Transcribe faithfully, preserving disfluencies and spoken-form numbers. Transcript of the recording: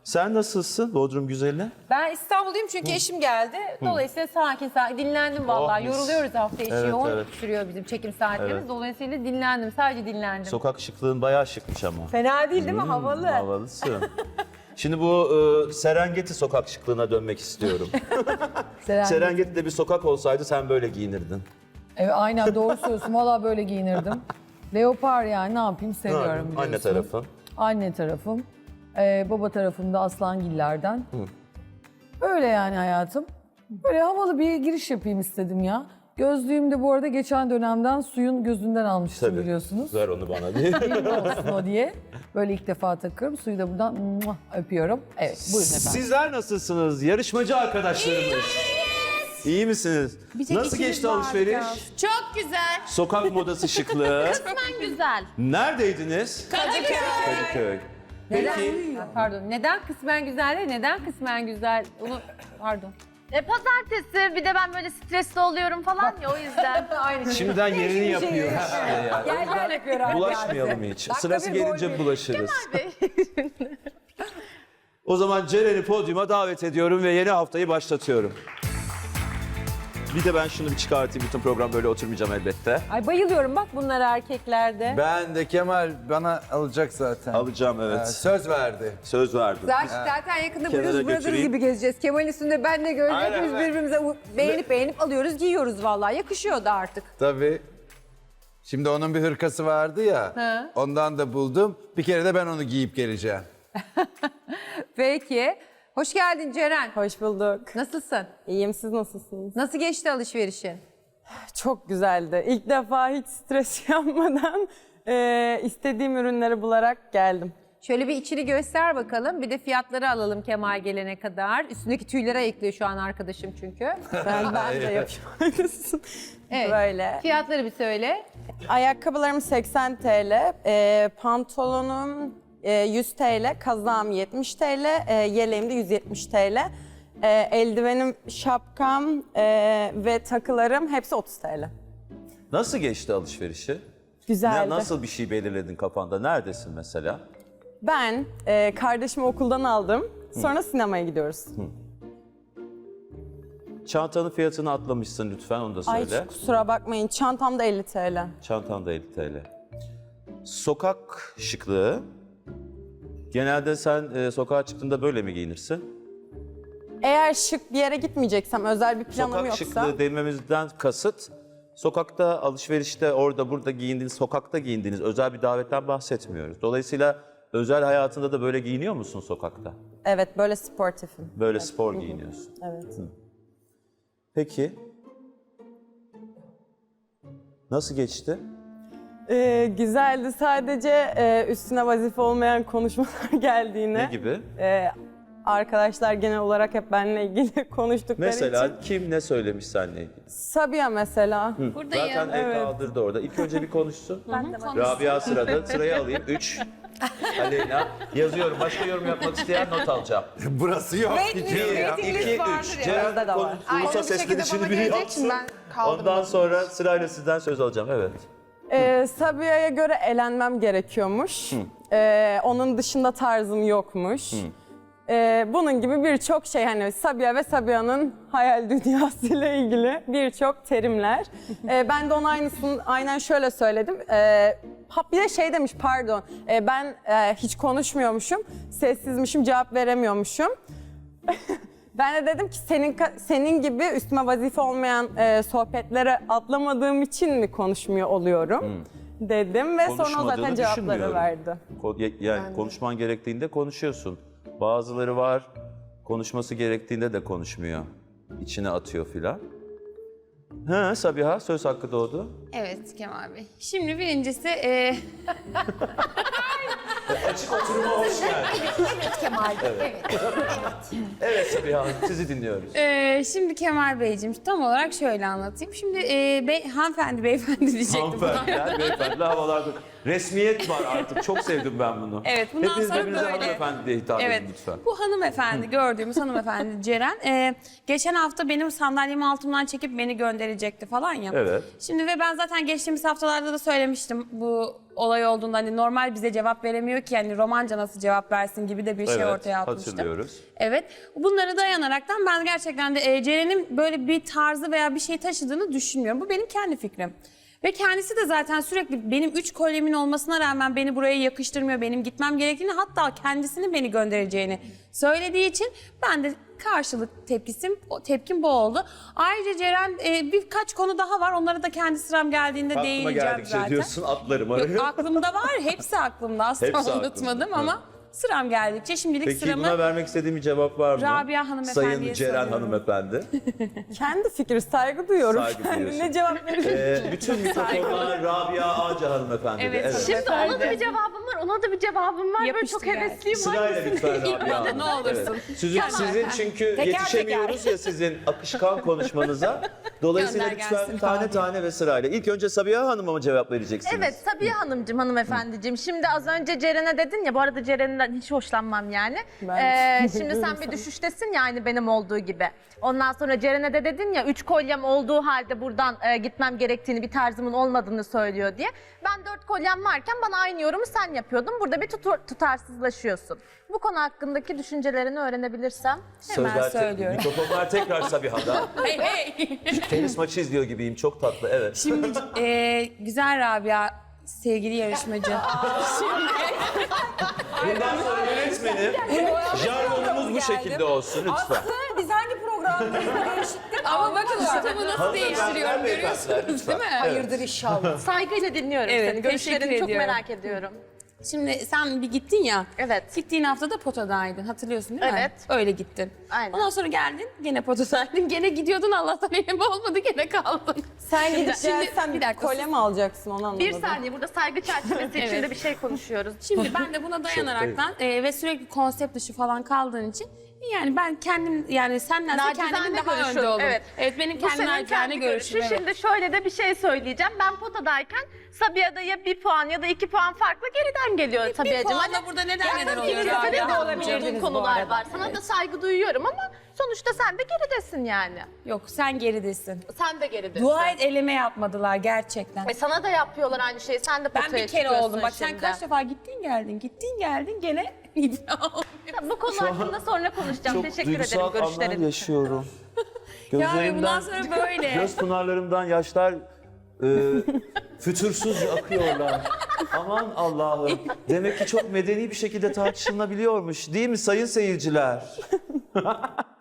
Sen nasılsın Bodrum güzeli? Ben İstanbul'dayım çünkü eşim geldi. Dolayısıyla sakin sakin dinlendim vallahi. Oh, mis. Yoruluyoruz hafta içi. Evet, Yoğun evet. sürüyor bizim çekim saatlerimiz. Evet. Dolayısıyla dinlendim. Sadece dinlendim. Sokak şıklığın bayağı şıkmış ama. Fena değil değil mi? Hmm, Havalı. Havalısın. Şimdi bu e, Serengeti sokak şıklığına dönmek istiyorum. Serengeti. Serengeti'de bir sokak olsaydı sen böyle giyinirdin. Evet, aynen doğru söylüyorsun. Valla böyle giyinirdim. Leopar yani ne yapayım seviyorum biliyorsun. Anne tarafın. Anne tarafım. Ee, baba tarafım da Aslangiller'den. Öyle yani hayatım. Böyle havalı bir giriş yapayım istedim ya. Gözlüğüm de bu arada geçen dönemden suyun gözünden almıştım Tabii. biliyorsunuz. Ver onu bana diye. Benim olsun o diye. Böyle ilk defa takıyorum. Suyu da buradan muah, öpüyorum. Evet buyurun efendim. Sizler nasılsınız? Yarışmacı arkadaşlarımız. İyi misiniz? Nasıl geçti alışveriş? Çok güzel. Sokak modası şıklığı. Kısmen güzel. Neredeydiniz? Kadıköy. Kadıköy. Neden? Peki. Ha, Pardon. Neden kısmen güzel de neden kısmen güzel? Onu pardon. E, pazartesi bir de ben böyle stresli oluyorum falan ya o yüzden. Aynı şey. Şimdiden yerini yapıyor. Gel gel yapıyor abi. Bulaşmayalım hiç. Sırası bir gol gelince verin. bulaşırız. O zaman Ceren'i podyuma davet ediyorum ve yeni haftayı başlatıyorum. Bir de ben şunu bir çıkartayım. Bütün program böyle oturmayacağım elbette. Ay bayılıyorum bak bunlara erkeklerde. Ben de Kemal bana alacak zaten. Alacağım Ee, evet. söz verdi. Söz verdim. Zaten, zaten yakında Kenara Blues Brothers götüreyim. gibi gezeceğiz. Kemal'in üstünde ben de göreceğiz. Aynen, Hepimiz aynen. birbirimize u- beğenip beğenip alıyoruz, giyiyoruz vallahi. Yakışıyor da artık. Tabii. Şimdi onun bir hırkası vardı ya. Ha. Ondan da buldum. Bir kere de ben onu giyip geleceğim. Peki. Hoş geldin Ceren. Hoş bulduk. Nasılsın? İyiyim, siz nasılsınız? Nasıl geçti alışverişin? Çok güzeldi. İlk defa hiç stres yapmadan e, istediğim ürünleri bularak geldim. Şöyle bir içini göster bakalım. Bir de fiyatları alalım Kemal gelene kadar. Üstündeki tüyleri ayıklıyor şu an arkadaşım çünkü. Ben, ben de yapayım. Evet. Böyle. Fiyatları bir söyle. Ayakkabılarım seksen TL, e, pantolonum e, yüz TL, kazağım yetmiş TL, e, yeleğim de yüz yetmiş TL. E, eldivenim, şapkam e, ve takılarım hepsi otuz TL. Nasıl geçti alışverişi? Güzeldi. Ne, nasıl bir şey belirledin kafanda? Neredesin mesela? Ben e, kardeşimi okuldan aldım. Sonra sinemaya gidiyoruz. Çantanın fiyatını atlamışsın lütfen onu da Ay söyle. kusura bakmayın. Çantam da elli TL. Çantan da elli TL. Sokak şıklığı. Genelde sen e, sokağa çıktığında böyle mi giyinirsin? Eğer şık bir yere gitmeyeceksem, özel bir planım Sokak yoksa... şıklığı dememizden kasıt, sokakta, alışverişte, orada, burada giyindiğiniz, sokakta giyindiğiniz özel bir davetten bahsetmiyoruz. Dolayısıyla özel hayatında da böyle giyiniyor musun sokakta? Evet, böyle sportifim. Böyle spor giyiniyorsun. Evet. Peki. Nasıl geçti? Ee, güzeldi. Sadece e, üstüne vazife olmayan konuşmalar geldiğine. Ne gibi? e, arkadaşlar genel olarak hep benimle ilgili konuştukları Mesela için. kim ne söylemiş seninle ilgili? Sabiha mesela. Buradayım. Zaten el kaldırdı orada. İlk önce bir konuşsun. Rabia sırada. Sırayı alayım. Üç. Aleyna. Yazıyorum. Başka yorum yapmak isteyen not alacağım. Burası yok. Bir, iki, üç. Ceren konu, ulusal seslenişini biri yapsın. Ondan sonra sırayla sizden söz alacağım. Evet. Ee, Sabiha'ya göre elenmem gerekiyormuş. Ee, onun dışında tarzım yokmuş. Ee, bunun gibi birçok şey, hani Sabiha ve Sabiha'nın hayal dünyasıyla ilgili birçok terimler. Ee, ben de ona aynısını aynen şöyle söyledim. Ee, ha, bir de şey demiş, pardon, Ee, ben e, hiç konuşmuyormuşum, sessizmişim, cevap veremiyormuşum. Ben de dedim ki senin senin gibi üstüme vazife olmayan e, sohbetlere atlamadığım için mi konuşmuyor oluyorum dedim ve sonra o zaten Konuşmadığını cevapları düşünmüyorum. verdi. Ko- ya- Yani konuşman gerektiğinde konuşuyorsun. Bazıları var, konuşması gerektiğinde de konuşmuyor. İçine atıyor filan. Ha Sabiha, söz hakkı doğdu. Evet Kemal Bey. Şimdi birincisi e, Açık oturuma hoş geldin. evet Kemal Bey. Evet. Evet Sabiha Hanım, sizi dinliyoruz. E, şimdi Kemal Beyciğim tam olarak şöyle anlatayım. Şimdi e, bey, hanımefendi beyefendi diyecektim. Hanımefendiler, beyefendiler havalarda. Resmiyet var artık. Çok sevdim ben bunu. Evet, bundan Hepiniz sonra birbirinize böyle. hanımefendi diye hitap Evet. edin lütfen. Bu hanımefendi, gördüğümüz hanımefendi Ceren. e, geçen hafta benim sandalyemi altımdan çekip beni gönderecekti falan ya. Evet. Şimdi ve ben zaten geçtiğimiz haftalarda da söylemiştim bu olay olduğunda hani normal bize cevap veremiyor ki yani romanca nasıl cevap versin gibi de bir şey Evet, ortaya atmıştım. hatırlıyoruz. Evet. Bunları dayanaraktan ben gerçekten de e, Ceren'in böyle bir tarzı veya bir şey taşıdığını düşünmüyorum. Bu benim kendi fikrim. Ve kendisi de zaten sürekli benim üç kolyemin olmasına rağmen beni buraya yakıştırmıyor, benim gitmem gerektiğini hatta kendisinin beni göndereceğini söylediği için ben de karşılık tepkisim, o tepkim bu oldu. Ayrıca Ceren e, birkaç konu daha var. Onları da kendi sıram geldiğinde Aklıma değineceğim geldikçe zaten. diyorsun atlarım Yok, araya. aklımda var. Hepsi aklımda. Asla Hepsi aklında. unutmadım Hı. ama sıram geldikçe şimdilik Peki sıramı... buna vermek istediğim bir cevap var mı? Rabia hanımefendiye Sayın Ceren soruyorum. hanımefendi. Kendi fikri saygı duyuyorum. Saygı duyuyorsun. Ne cevap verir? Ee, bütün mikrofonlar Rabia Ağca hanımefendi. Evet, evet. Şimdi ona da bir cevabım var, ona da bir cevabım var. Böyle Yapıştır çok yani. hevesliyim. Sırayla lütfen Rabia Hanım. ne olursun. Evet. Sizin, sizin çünkü Teker yetişemiyoruz ya sizin akışkan konuşmanıza. Dolayısıyla Gönder lütfen gelsin tane Rabia. tane ve sırayla. İlk önce Sabiha Hanım'a mı cevap vereceksiniz? Evet Sabiha Hanımcığım, hanımefendiciğim. Şimdi az önce Ceren'e dedin ya, bu arada Ceren'den hiç hoşlanmam yani. Ben Ee, de şimdi sen biliyorum bir sana. düşüştesin ya aynı benim olduğu gibi. Ondan sonra Ceren'e de dedin ya üç kolyem olduğu halde buradan e, gitmem gerektiğini, bir tarzımın olmadığını söylüyor diye. Ben dört kolyem varken bana aynı yorumu sen yapıyordun. Burada bir tutu- tutarsızlaşıyorsun. Bu konu hakkındaki düşüncelerini öğrenebilirsem. Hemen Sözler te- söylüyorum. Mikrofonlar tekrar Sabiha'da. Hey hey! Tenis maçı izliyor gibiyim. Çok tatlı. Evet. Şimdi e, güzel Rabia sevgili yarışmacı. Bundan sonra yönetmenim. Jargonumuz bu şekilde olsun lütfen. Biz hangi programdayız? Değişiklik. Ama bakın ortamı nasıl değiştiriyorum Hanımefendiler, görüyorsunuz lütfen. değil mi? Hayırdır inşallah. Saygıyla dinliyorum Evet, seni. teşekkür Görüşlerini çok ediyorum. merak ediyorum. Şimdi sen bir gittin ya. Evet. Gittiğin hafta da potadaydın hatırlıyorsun değil mi? Evet. Öyle gittin. Aynen. Ondan sonra geldin gene potadaydın. Gene gidiyordun Allah'tan elim olmadı gene kaldın. Sen gidip Şimdi- gelsen bir bir dakika, kolye mi alacaksın onu anlamadım. Bir saniye, burada saygı çerçevesi içinde Evet. bir şey konuşuyoruz. Şimdi ben de buna dayanaraktan e, ve sürekli konsept dışı falan kaldığın için yani ben kendim yani senden de Nacizane kendimin daha görüşün, önde oldum. evet. Evet benim Bu kendi senin nacizane kendi görüşüm. görüşün. Evet. Şimdi şöyle de bir şey söyleyeceğim. Ben potadayken Sabiha'da ya bir puan ya da iki puan farkla geriden geliyor Bir Sabiha'cığım. puanla burada neden neden oluyor İkinize de Rabia? olabilirdiniz konular var. Sana da saygı duyuyorum ama sonuçta sen de geridesin yani. Yok sen geridesin. Sen de geridesin. Dua et eleme yapmadılar gerçekten. E sana da yapıyorlar aynı şeyi. Sen de Ben potaya bir kere çıkıyorsun oldum. Bak sen şimdi. kaç defa gittin geldin, gittin geldin gene iddia olmuyor. Bu konu hakkında sonra konuşacağım. Çok Teşekkür duygusal ederim anlar görüşlerin için. yaşıyorum. Yani bundan sonra böyle. göz pınarlarımdan yaşlar e, fütursuz akıyorlar. Aman Allah'ım. Demek ki çok medeni bir şekilde tartışılabiliyormuş değil mi sayın seyirciler?